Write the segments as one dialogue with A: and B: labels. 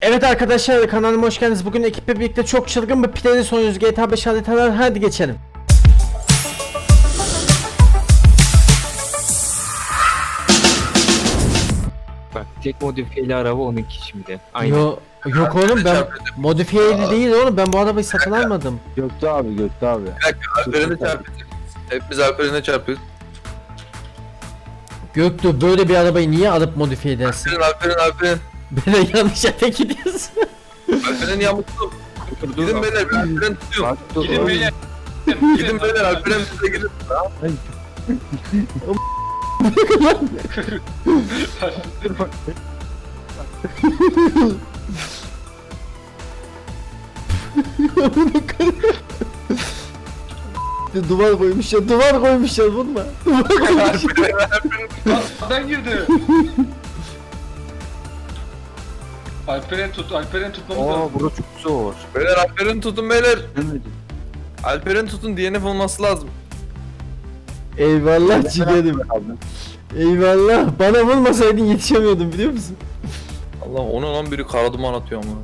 A: Evet arkadaşlar, kanalıma hoş geldiniz. Bugün ekiple birlikte çok çılgın bir planı sonuyoruz. GTA 5 haritalar, hadi geçelim.
B: Bak tek modifiyeli araba onunki şimdi. Aynen.
A: Yok oğlum, ben modifiyeli değil oğlum, ben bu arabayı satın almadım.
C: Göktuğ abi.
D: Alperen'e çarpıyoruz. Hepimiz Alperen'e çarpıyoruz.
A: Göktuğ, böyle bir arabayı niye alıp modifiye edersin?
D: Alperen.
A: Böyle yanlış yere gidiyorsun.
D: Alperen yamuklu. Gidin beyler, ben Alperen tutuyorum.
C: Bak dur.
D: Gidin beyler. Gidin beyler, Alperen size gidin.
A: Duvar koymuşlar vurma.
E: Alperen girdi. Alperen tutmamız
C: Oo
E: lazım.
C: burası çok zor.
D: Beyler Alperen tutun beyler.
C: Demedim.
D: Alperen tutun, DNF olması lazım.
A: Eyvallah ciğerim. Eyvallah. Bana vurmasaydın yetişemiyordum, biliyor musun?
D: Allah, ona lan biri kara duman atıyor ama.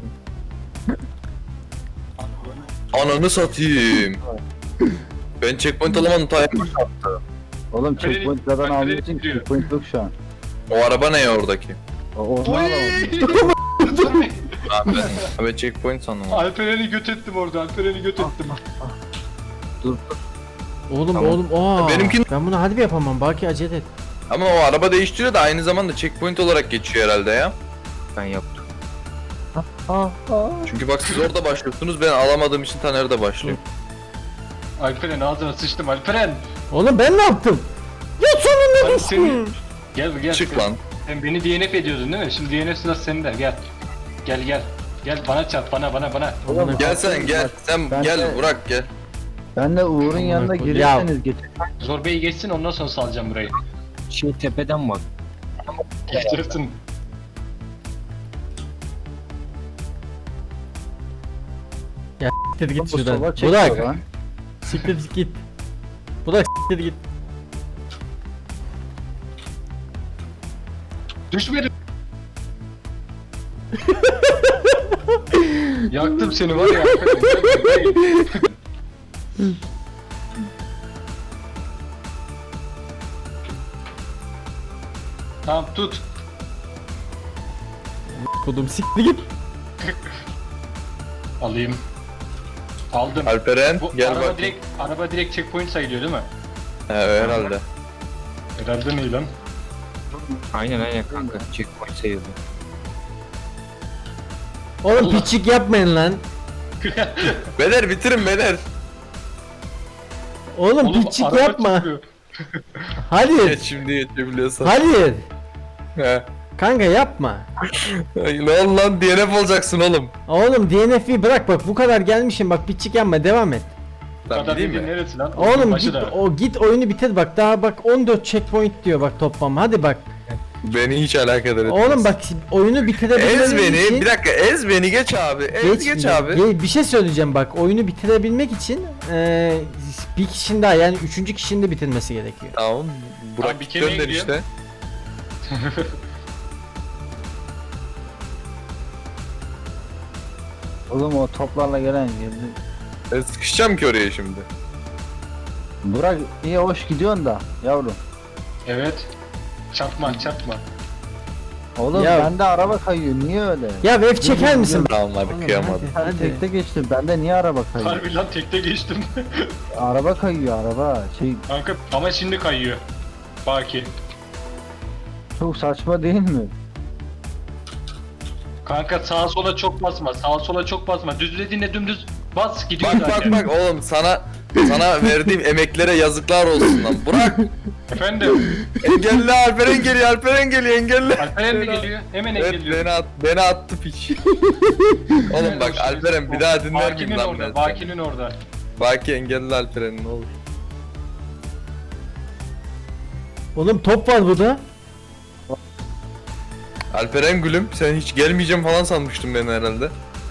D: Ananı satayım. Ben checkpoint alamadım, timer attı.
C: Oğlum
E: Alperen-
C: checkpointlerden
E: Alperen
C: aldığın için
E: gidiyor.
C: checkpoint yok şu an.
D: O araba ne ya oradaki?
C: Onu alamadım.
D: Ben checkpoint sandım.
E: Alperen'i göt ettim orada. Alperen'i göt ettim.
C: Dur.
A: Oğlum
D: Tamam. Benimkin-
A: ben bunu hadi yapamam, belki acele et.
D: Ama o araba değiştiriyor da aynı zamanda checkpoint olarak geçiyor herhalde ya.
B: Ben yaptım.
D: Çünkü bak siz orada başlıyorsunuz, ben alamadığım için Taner'de başlıyor.
E: Alperen ağzına sıçtım. Alperen.
A: Oğlum ben ne yaptım? Ya sonunda
E: Hadi
A: düştüm.
E: Gel.
D: Çık lan.
E: Sen beni DNF ediyordun değil mi? Şimdi DNF sırası sende. Gel. Gel bana çarp. Bana.
C: Oğlum,
D: Gel sen gel. Sen
C: Ben
D: gel
C: de-
D: Burak gel.
C: Ben de Uğur'un yanına
A: Ya.
C: gelirseniz geçin.
E: Zorbeyi geçsin, ondan sonra salacağım burayı.
B: Tepeden bak.
E: Geçersin.
A: Siktir git
C: Bu
A: şuradan.
C: sola çekiyor
A: Burak,
C: lan.
A: siktir git. Burak, siktir git.
E: Düşmedim. Yaktım seni var ya. Alperen. Tamam tut.
A: Kodum, siktir git.
E: Alayım. Aldım.
D: Alperen
E: Bu
D: gel
E: araba
D: bak.
E: direkt checkpoint sayılıyor değil mi?
D: He herhalde.
E: Herhalde ne lan?
B: Aynen kanka. Checkpoint sayıldı.
A: Oğlum
E: Allah.
A: piçik yapmayın lan.
D: Beyler bitirin beyler.
A: Oğlum
E: Oğlum,
A: piçik
E: araba
A: yapma.
E: çıkıyor.
A: Hayır.
D: Geç şimdi geçebiliyorsan.
A: Hayır.
D: He.
A: Kanka yapma.
D: Ay, ne oldu lan, DNF olacaksın oğlum.
A: Oğlum DNF'yi bırak, bak bu kadar gelmişim, bak piçik yapma, devam et.
E: Bu
D: Tamam
E: kadar
D: gideyim
E: dediğin
D: mi?
E: neresi lan?
A: Oğlum
E: Başı
A: git,
E: da.
A: git oyunu bitir bak, daha bak 14 checkpoint diyor bak toplam, hadi bak.
D: Beni hiç alakadar etmez.
A: Oğlum bak, oyunu bitirebilmek
D: Ez
A: için...
D: beni, bir dakika, ez beni, geç abi. Geç abi.
A: Bir şey söyleyeceğim bak, oyunu bitirebilmek için bir kişinin daha, yani 3. kişinin de bitirmesi gerekiyor.
D: Tamam. Burak
E: Abi bir kere
D: gönder
E: gidiyor.
D: işte.
C: Oğlum o toplarla gelen geldi.
D: Ben sıkışacağım ki oraya şimdi.
C: Burak iyi hoş gidiyorsun da yavrum.
E: Evet. Çarpma.
C: Oğlum
A: Ya.
C: bende araba kayıyor niye öyle?
A: Ya F çeker misin?
D: Tamam hadi
A: Oğlum,
D: kıyamadım.
C: Sen
A: Hadi.
C: tekte geçtin bende niye araba kayıyor?
E: Harbi lan tekte geçtim.
C: Araba kayıyor araba.
E: Kanka ama şimdi kayıyor. Baki.
C: Çok saçma değil mi?
E: Kanka sağa sola çok basma. Düzlediğinde dümdüz bas gidiyor
D: Bak
E: zaten.
D: bak oğlum, sana verdiğim emeklere yazıklar olsun lan. Burak
E: Efendim.
D: engelli, Alperen geliyor engelli.
E: Alperen de geliyor. Hemen
D: Evet
E: geliyor.
D: beni attı piç. Oğlum bak Alperen, bir daha dinler miyim lan ben?
E: Baki'nin orada.
D: Baki engelli Alperen, ne olur.
A: Oğlum top var burada.
D: Alperen gülüm, sen hiç gelmeyeceğim falan sanmıştın beni herhalde.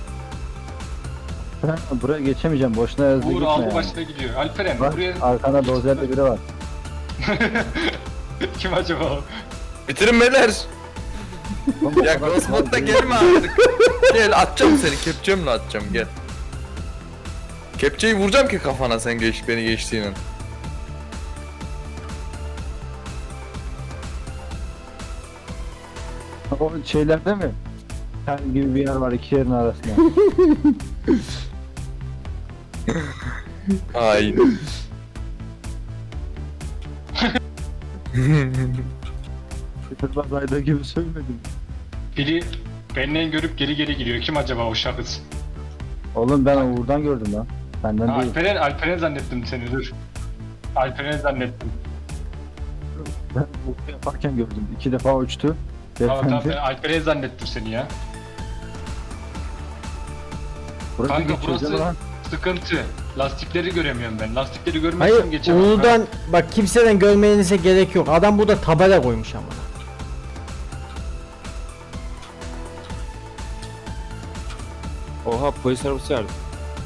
C: Ben buraya geçemeyeceğim boşuna hızlı
E: Uğur
C: gitme
E: aldı
C: yani.
E: başına gidiyor. Alperen
C: Bak
E: buraya
C: arkanda dozerde biri var.
E: kim acaba o?
D: Bitirin beyler. Ya Crossbot'ta gelme artık. Gel atacağım seni, kepçemle atacağım gel. Kepçeyi vuracağım ki kafana sen beni geçtiğinin.
C: O şeylerde mi? Kel gibi bir yer var iki yerin arasında.
D: Aynen.
C: Kıtırmaz ayda gibi söylemedim.
E: Biri benden görüp geri geri gidiyor. Kim acaba o şahıs?
C: Oğlum ben Uğur'dan gördüm lan. Benden değil.
E: Alperen zannettim seni, dur. Alperen zannettim.
C: Ben bu yaparken gördüm. 2 defa uçtu.
E: Tamam tamam, ben
C: Beyefendi.
E: Alperen zannettim seni ya.
C: Burası
E: Kanka,
C: geçiyor
E: burası-
C: değil mi lan?
E: Sıkıntı. Lastikleri göremiyorum ben. Lastikleri görmezsem
A: Hayır
E: geçemem.
A: Uğur'dan bak kimseden görmenize gerek yok. Adam burada tabela koymuş ama.
B: Oha polis arabası vardı.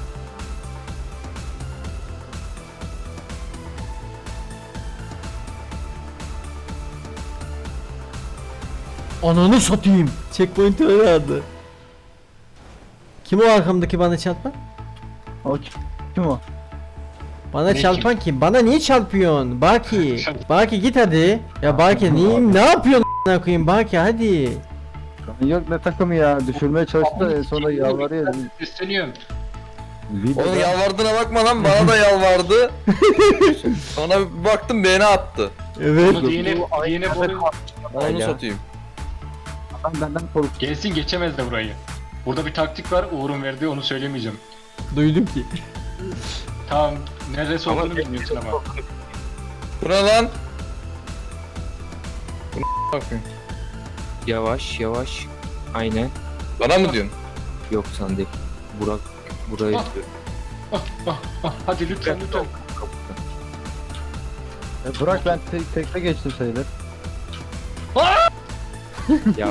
A: Ananı satayım. Checkpoint aradı. Kim o arkamdaki bana çarpan?
C: O kim o?
A: Bana
E: Ne
A: çarpan kim? Bana niye çarpıyorsun? Baki. Baki git hadi. Ya Baki ne yapıyorsun a**ına koyayım Baki hadi.
C: Yok ne takımı ya. Düşürmeye çalıştı da en sonunda yalvarıyor.
E: Sesleniyorum.
C: Videoda-
D: Onun yalvardığına bakma lan, bana da yalvardı. Sonra bir baktım beni attı.
A: Evet.
E: Bunu diyene boru
D: Onu
B: Hala.
D: satayım.
C: Adam benden korktu.
E: gelsin, geçemez de burayı. Burada bir taktik var, Uğur'un verdiği, onu söylemeyeceğim.
A: Duydum ki.
E: Tamam, neresi
B: Ama-
E: olduğunu bilmiyorsun ama.
D: Bu ne lan? Bu ne bakayım?
B: Yavaş yavaş. Aynen.
D: Bana mı diyorsun?
B: Yok sen değil. Burak. Burayı
E: Ah.
B: diyorum.
E: Hadi lütfen lütfen.
C: Bırak ben tekte geçtim sayılır.
B: Ya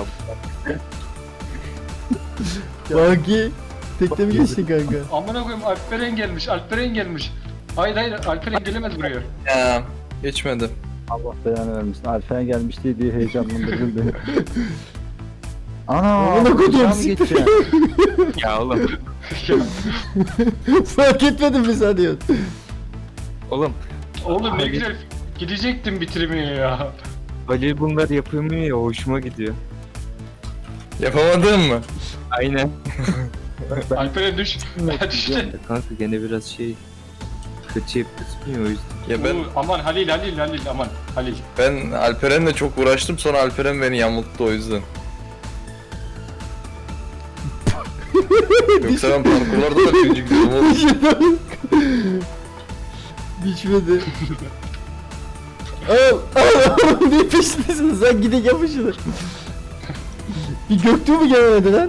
A: Baki. Tekte mi geçtin kanka?
E: Amına koyayım, Alperen gelmiş, Alperen gelmiş. Hayır hayır, Alperen gelemez buraya.
D: Ya geçmedi.
C: Allah belanı vermesin. Alfen gelmiş diye heyecanlandırdın beni. Ana!
A: Amına koyduğum
C: uçağa mı
A: siktir.
C: geçeceğim?
B: ya oğlum.
A: Fark etmedim mi sanıyorsun?
B: Oğlum.
E: Oğlum ne güzel gidecektim bitirmeye ya.
B: Halil bunlar yapılmıyor ya, hoşuma gidiyor.
D: Yapamadın mı?
B: Aynen.
E: Alperen düş. Düştü.
B: Kanka gene biraz şey kötü yapıyorsun ya, o yüzden.
D: Ya ben
E: Aman Halil aman Halil.
D: ben Alperen'le çok uğraştım, sonra Alperen beni yamulttu o yüzden. Yoksa ben parkurlarda da birinci gidiyorum oğlum.
A: Biçmedi. Al ne peşindesin sen, gidin yapışılır. Bir Göktuğ mu gelmedi lan?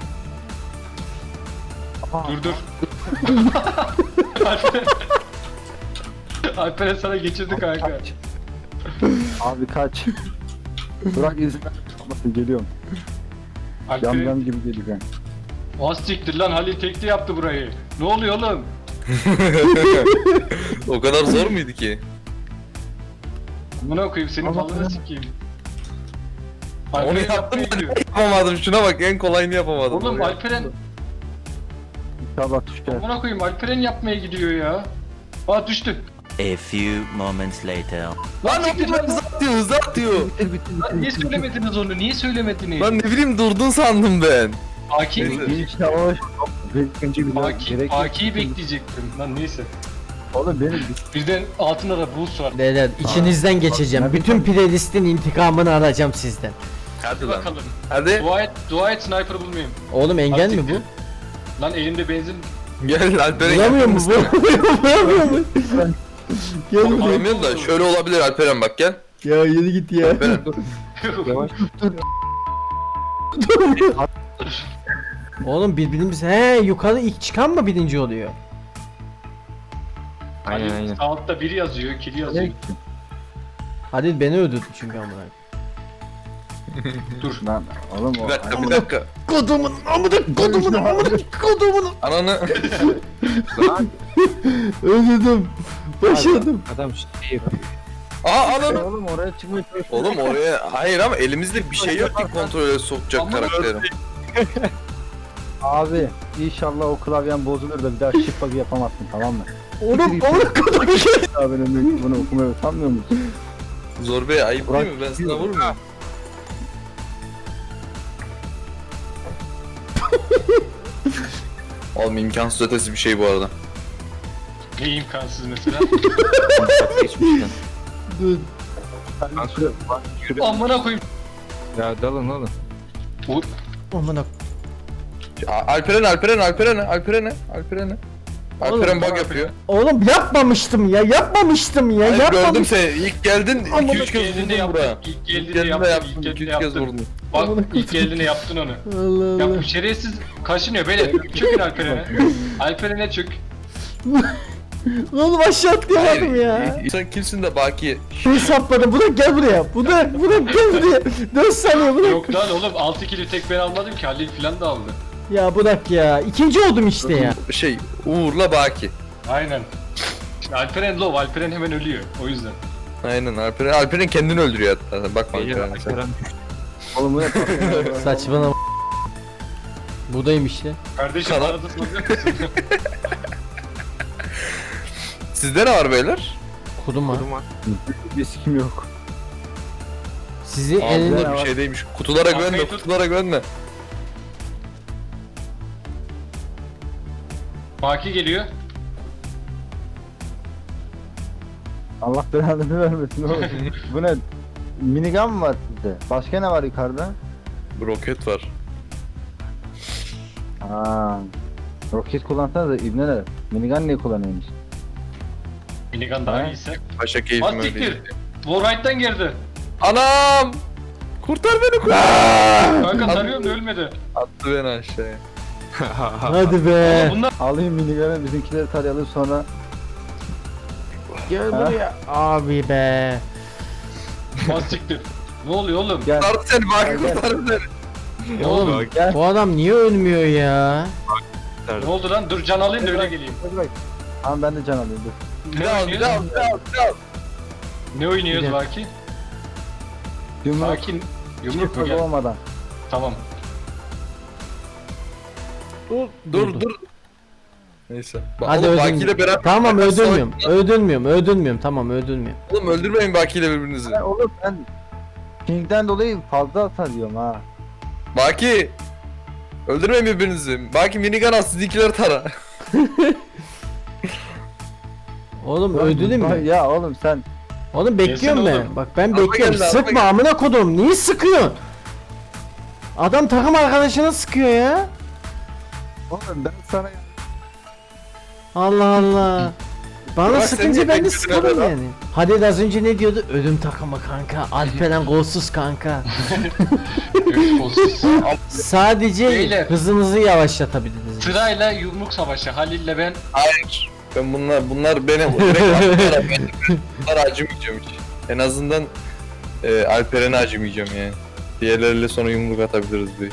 E: Dur. Alperen. Alperen sana geçirdi kanka.
C: Abi kaç. Bırak izin ver. Geliyorum. Yam
E: Alperen.
C: yam gibi geleceğim.
E: O siktir lan, Halil tekli yaptı burayı. Ne oluyor oğlum?
D: O kadar zor muydu ki?
E: Buna koyayım senin
C: Allah
E: balını
C: Allah.
E: sikeyim.
D: Onu
E: Alperen
D: yaptım
E: yapmaya
D: ben
E: gidiyor.
D: yapamadım, şuna bak, en kolayını yapamadım.
E: Oğlum Alperen,
C: İnşallah düşer.
E: buna koyayım, Alperen yapmaya gidiyor ya. Aa düştü.
F: A few moments later.
D: Lan
E: siktir
D: o
E: lan.
D: hızlı atıyor, hızlı atıyor.
E: Lan niye söylemediniz onu? Niye söylemediniz?
D: Lan ne bileyim, durdun sandım ben.
E: Aki,
D: Neyse.
C: İşte o. İkinci bir
E: Aki'yi bekleyecektim. Lan neyse.
C: Oğlum benim
E: Birden altında da boost var.
A: Beyler içinizden geçeceğim.
C: ne
A: Bütün playlistin intikamını alacağım sizden.
D: Hadi
E: Hadi
D: lan.
E: bakalım.
D: Hadi
E: Dua et sniper bulmayayım.
A: Oğlum engel mi bu?
E: Lan elimde benzin.
D: gel Alperen.
A: Bulamıyor mu bu? Bulamıyor mu? Gel buraya.
D: Bulamıyorum da şöyle olabilir Alperen, bak gel.
A: Ya yürü git ya.
D: Alperen.
B: Yavaş.
A: Oğlum birbirimiz yukarı ilk çıkan mı birinci oluyor?
B: Aynen aynen.
E: Sağ altta biri yazıyor, kili yazıyor.
A: Halil beni öldürdü çünkü amına.
E: Dur.
C: Lan oğlum o.
D: Bir dakika.
A: Kodumun amına kodumun.
D: Ananı.
A: Öldürdüm. Başladım.
B: Adam şey yapıyor.
D: Aha ananı.
C: Oğlum oraya çıkmaya çalışıyor.
D: Oğlum oraya hayır ama elimizde bir şey yok ki kontrole sokacak
E: Aman
D: karakterim.
C: Abi inşallah o klavyen bozulur da bir daha shift bug'ı yapamazsın, tamam mı?
A: Oğlum amına kodum şey.
C: Abi benim bunu okumaya utanmıyor musun?
D: Zor Bey ayıp
C: Burak,
D: değil mi? Ben sana vurmuyorum. Oğlum imkansız ötesi bir şey bu arada.
E: Ne imkansız mesela.
B: Geçmişten.
A: Dur.
E: Amına koyayım.
B: Ya dalın oğlum.
E: Bu
A: Amına.
D: Alperen. Alperen bug yapıyor.
A: Oğlum yapmamıştım ya.
D: Hayır, gördüm
A: Yapmamıştım.
D: seni. İlk geldin
A: Amına
D: 2-3 kez
E: geldiğinde
D: vurdun buraya.
E: yaptın. İlk
D: İlk
E: geldiğinde
D: geldiğinde
E: yaptın.
D: yaptın.
E: İlk
D: 2-3
E: geldiğinde
D: kez
E: yaptın.
D: vurdun.
E: Bak
A: Amına
E: ilk geldiğinde yaptın onu.
A: Allah
E: Ya
A: Allah.
E: bu şerefsiz kaşınıyor beyler. Çökün Alperen'e. Alperen'e çök.
A: Oğlum aşağı atlayamadım ya.
D: Sen kimsin de Baki?
A: Şey sapladım. Burak gel buraya. Burak gel buraya. 4 saniye Burak.
E: Yok lan oğlum 6 kili tek ben almadım ki Halil filan da aldı.
A: Ya Burak ya. İkinci oldum işte ya.
D: Uğur'la Baki.
E: Aynen. Şimdi Alperen low, Alperen hemen ölüyor. O yüzden.
D: Aynen Alperen kendini öldürüyor hatta. Bakma
B: Beyler
D: Alperen'e sen.
B: Alperen
C: Oğlum bu ne?
A: Saçmalama. Buradayım işte.
E: Kardeşim
D: Kanal-
E: arada soracak mısın?
D: Sizde ne var beyler?
A: Kudum ha.
B: durma.
C: Bir sikim yok.
A: Sizi
D: Aa,
A: elinde...
D: bunlar bir şeydeymiş. Kutulara güvenme,
E: Kafayı tut.
D: kutulara güvenme.
E: Baki geliyor.
C: Allah belanı vermesin oğlum. Bu ne? Minigun mı var sizde? Başka ne var yukarıda?
D: Bir roket var.
C: Aa. Roket kullansanız da ibneler. Minigun niye kullanıyormuş?
E: Minigun daha
C: Ha?
E: iyiyse.
D: Paşa keyfim
E: Az
D: öyle.
E: siktir. Warright'tan girdi.
D: Anam! Kurtar beni kurtar!
E: Kanka tarıyorum da ölmedi.
D: Attı beni aşağıya.
A: Hadi be.
E: Bunlar
C: Alayım minigun'ı, bizimkileri tarayalım sonra.
A: Gel buraya. Abi be.
E: az siktir. Ne oluyor oğlum?
C: Gel.
D: Kurtardı seni Baki
C: Gel.
D: kurtardı seni.
E: Ne oldu?
B: Bak,
C: Gel.
A: Bu adam niye ölmüyor ya?
E: Ne oldu lan? Dur can alayım da öyle geleyim.
C: Bırak. Tamam ben de can alayım dur.
D: Bir
E: Ne
D: daha al, bir
E: oynuyoruz?
D: daha al, bir daha al, bir daha al.
E: Ne oynuyoruz
A: Bir
E: Baki?
C: Yumruk.
E: Baki yumruk mu
C: Yumruk
E: gel?
C: olmadan.
E: Tamam.
D: Dur. Neyse.
A: Hadi
D: Oğlum
A: öldürmüyorum.
D: Baki ile beraber...
A: Tamam öldürmüyorum.
D: Savaş-
A: Öldürmüyorum. Tamam öldürmüyorum.
D: Oğlum öldürmeyin Baki ile birbirinizi.
C: Ya oğlum ben King'den dolayı fazla hasar yiyorum ha.
D: Baki! Öldürmeyin birbirinizi. Baki minigun al sizinkileri tara.
A: Oğlum öldürdün mü?
C: Ya oğlum sen
A: Oğlum bekliyorum
E: Gelsin
A: ben.
E: oğlum.
A: Bak ben
D: Araba
A: bekliyorum.
D: geldi, araba
A: Sıkma
D: geldi.
A: amına kodum. Niye sıkıyorsun? Adam takım arkadaşına sıkıyor ya.
C: oğlum ben sana
A: Allah Allah. Bana
D: Bak sen
A: sıkınca
D: niye
A: ben de
D: bekliyorsun
A: sıkarım
D: adam?
A: yani. Hadi az önce ne diyordu? Ölüm takımı kanka. Alperen golsuz kanka.
E: Kolsuz.
A: Sadece
E: Beyler.
A: hızınızı yavaşlatabiliriz.
E: Sırayla yumruk savaşı. Halil'le ben.
D: Hayır. Ben bunlar beni direkt attılar. Ben bunlara acımayacağım hiç. En azından Alperen'e acımayacağım yani. Diğerleriyle sonra yumruk atabiliriz belki.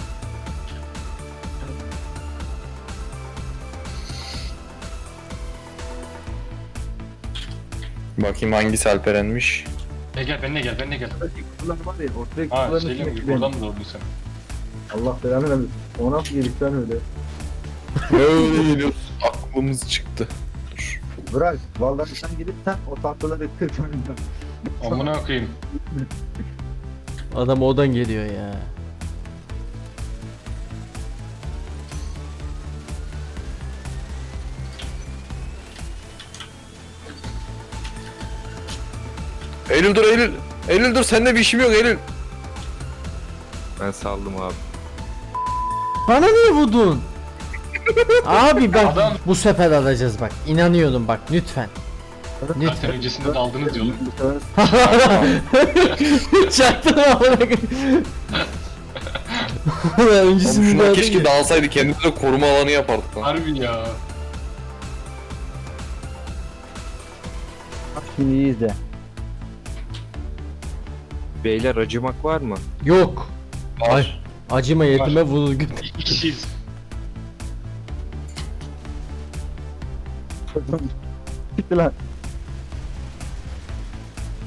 D: Bakayım hangisi Alperen'miş.
E: Gel benimle gel benimle gel.
C: kutular var ya ortaya
E: Ha
C: kutuların
E: şeyle mi?
C: içine
E: Buradan mı doğdun sen?
C: Allah belanı vermesin. O nasıl gelip lan öyle?
D: Böyle geliyoruz. Aklımız çıktı. Dur.
C: Bırak. Vallahi sen gelirsen o tahtaları kırk önünden.
E: Amına koyayım.
A: Adam odan geliyor ya.
D: Eylül dur Eylül. Eylül dur sende bir işim yok Eylül.
B: Ben saldım abi.
A: Bana niye vurdun? Abi bak
E: Adam-
A: bu sefer alacağız bak. İnanıyorum bak lütfen.
E: Zaten
A: Lütfen.
E: öncesinde daldınız yolu.
C: Bu sefer
A: Çaktım amına koyayım.
D: Oğlum
A: Öncesinde
D: şuna
A: de
D: keşke dağılsaydı kendimize koruma alanı yapardık lan.
E: Harbi ya.
C: Şimdi iyi izle.
B: Beyler acımak var mı?
A: Yok. Ay. Acıma yetime
E: Var.
A: vurur götür.
E: İki kişiyiz.
C: Gitti lan.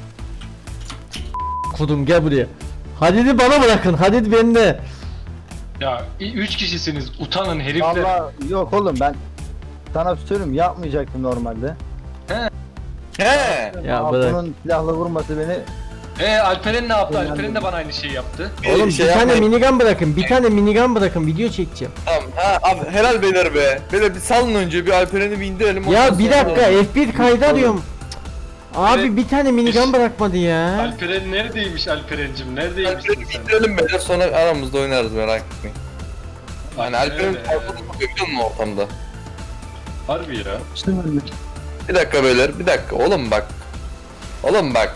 A: kodum gel buraya. Hadid'i bana bırakın. Hadid bende.
E: Ya 3 kişisiniz. Utanın herifler.
C: Allah yok oğlum ben sana söyleyeyim yapmayacaktım normalde.
D: He.
A: Ya
C: Ama
A: bırak.
C: bunun silahla vurması beni
E: Alperen ne yaptı?
C: Ben
E: Alperen de bana aynı şeyi yaptı.
A: Oğlum
D: şey
A: bir tane
D: yapmayın.
A: minigun bırakın. Bir tane minigun bırakın. Video çekeceğim.
D: Tamam. Ha abi helal beyler be. Beyler bir salın önce bir Alperen'i bir indirelim. ondan
A: Ya bir
D: sonra-
A: dakika F1 kaydı arıyorum. Cık. Abi bir tane minigun bırakmadı ya.
E: Alperen neredeymiş Alperen'cim? Neredeymişsin
D: Alperen'i bir
E: sen?
D: indirelim beyler sonra aramızda oynarız merak etmeyin. Yani Alperen'in
E: Alperen,
D: farkını bakıyor mu ortamda?
E: Harbi ya.
D: Bir dakika beyler bir dakika oğlum bak. Oğlum bak.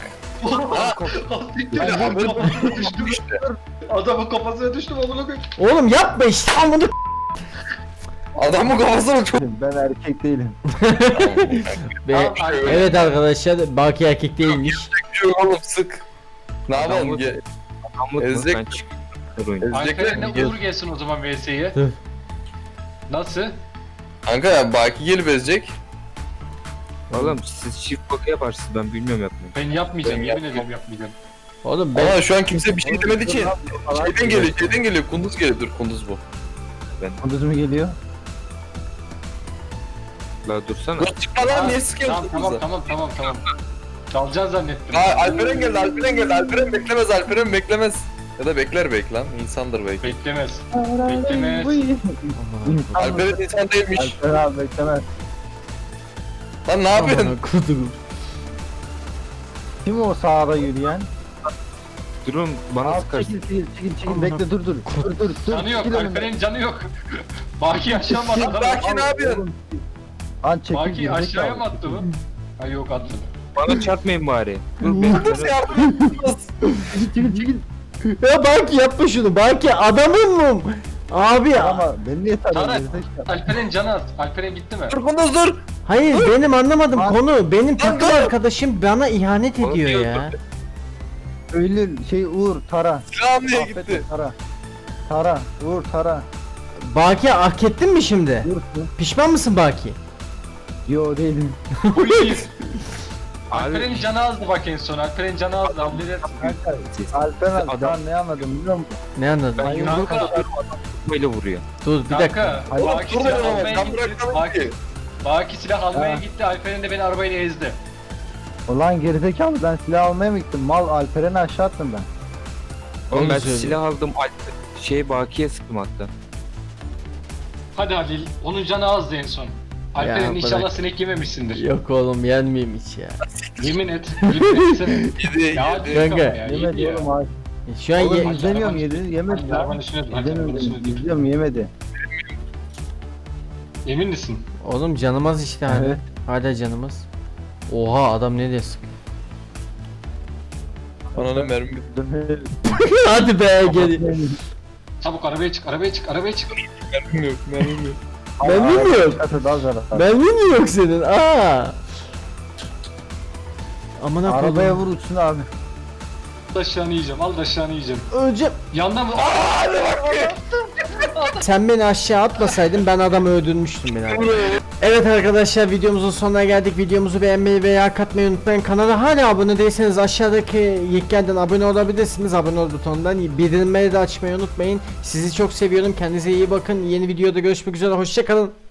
E: Adamın kafasına düştüm amına koyayım.
A: Oğlum yapma işte amını.
D: Adamın kafasına çok...
C: ben erkek değilim.
A: Be- evet arkadaşlar Baki erkek değilmiş.
D: Oğlum sık. Ne yapalım?
B: Adamı-
D: Ge-
B: Anlatma
D: Ezecek
B: sen
D: mi?
B: çık. Oyun.
D: Ezecekler
E: Alperen'le
D: mi? Gel.
E: Uğur gelsin o zaman VS'ye.
A: Dur.
E: Nasıl?
D: Kanka ya Baki gelip ezecek.
B: Oğlum siz çift bakı yaparsınız ben bilmiyorum yapmayı.
E: Ben yapmayacağım,
D: Ben
E: yemin
D: yapmam.
E: ederim yapmayacağım.
A: Oğlum ben
D: Ama şu an kimse bir şey demedi ki. Şeyden geliyor. Kunduz geliyor. Dur Kunduz bu.
C: Kunduz mu geliyor?
B: La dursana.
D: Dur çıkma lan niye sıkıyorsun
E: Tamam
D: Kunduz'a?
E: tamam. Dalacaksın zannettim.
D: Alperen geldi. Alperen beklemez. Alperen beklemez. Ya da bekler belki lan. İnsandır belki.
E: Beklemez. Beklemez.
D: Alperen insan değilmiş.
C: Alper abi beklemez.
D: Lan ne yapıyorsun?
A: Kudum.
C: Kim o sağda yürüyen?
B: Durun bana
C: Abi
B: sıkarsın.
C: çekil bekle dur. Dur.
E: Canı yok,
C: çekil önümden.
E: Alperen'in canı yok. Baki aşağı mı attı?
D: Baki ne yapıyorsun?
C: An çekil
E: Baki
C: gerizekalı.
E: aşağıya mı attı bu? Ha yok attı.
B: Bana çarpmayın bari. Dur ben.
D: Kunduz yardım et.
C: Çekil.
A: Ya Baki yapma şunu. Baki adamın mı? Abi
C: Ama beni niye tanıyorsun
E: Tarak.
C: gerizekalı?
E: Alperen canı az. Alperen gitti mi?
D: Dur Kunduz dur.
A: hayır benim anlamadım
C: Lan.
A: konu. Benim takım
D: dur.
A: arkadaşım bana ihanet
B: Onu
A: ediyor
B: diyor,
A: ya.
C: Öyle Uğur tara.
D: Silah almaya
C: Affet
D: gitti.
C: Tara. Tara. Uğur tara.
A: Baki hak ettin mi şimdi?
C: Uğur.
A: Pişman mısın Baki?
C: Yo değilim.
E: Polis. Alperen'in canı azdı bak en son. Alperen'in canı azdı. Halledersin.
C: Kanka Alper abi
B: Adam-
C: ben ne anladım biliyor musun?
A: Ne anladın?
B: Ben yumruk
E: Kanka.
B: atıyorum adam böyle vuruyor.
A: Dur bir dakika.
E: Kanka,
C: Hayır,
E: Baki
D: Dur
E: silah
D: oğlum
E: almaya
D: ben
E: gitti.
D: bırakamam ki.
E: Baki silah almaya
C: Ha.
E: gitti. Alperen de beni arabayla ezdi.
C: Ulan gerizekalı ben silah almaya mı gittim? Mal Alperen'i aşağı attım ben.
B: Oğlum
A: Onu
B: ben
A: söyle.
B: silah aldım Baki'ye sıktım hatta.
E: Hadi Halil. Onun canı azdı en son. Alperen
A: Ya,
E: inşallah
A: bırak.
E: sinek yememişsindir.
A: Yok oğlum yenmeyeyim hiç ya.
E: Yemin et. Yemin etsene.
D: Yedi
E: Ya
D: yedi.
E: hadi
A: Kanka.
E: ya,
C: Yemedi
E: yedi ya.
C: oğlum abi.
A: Şu an
C: Oğlum
A: ye-
C: izlemiyorum yemedi
E: Hadi
C: ya.
E: arabanın üstüne dur. Hadi arabanın üstüne dur.
C: İzliyorum yemedi.
E: Emin misin?
A: Oğlum canımız işte hala.
C: Evet.
A: Hala canımız. Oha adam ne diye sıkıyor.
D: Ananı mermi bitti.
A: Hadi be gel.
E: Çabuk arabaya çık, arabaya çık, arabaya çık.
D: Mermim yok. Mermim yok.
A: Ben bilmiyorum.
C: Çıkarsa daha zarar.
A: Ben mi yok senin? Aa. Aman
C: Arabaya
A: koyayım.
C: vur uçsun abi.
E: Al da aşağını yiyeceğim, al da aşağını yiyeceğim.
A: Öleceğim.
E: Yandan mı?
A: Sen beni aşağı atmasaydın ben adamı öldürmüştüm beni abi. Evet arkadaşlar videomuzun sonuna geldik. Videomuzu beğenmeyi veya katmayı unutmayın. Kanala hala abone değilseniz aşağıdaki linklerden abone olabilirsiniz. Abone ol butonundan bildirimleri de açmayı unutmayın. Sizi çok seviyorum. Kendinize iyi bakın. Yeni videoda görüşmek üzere. Hoşça kalın.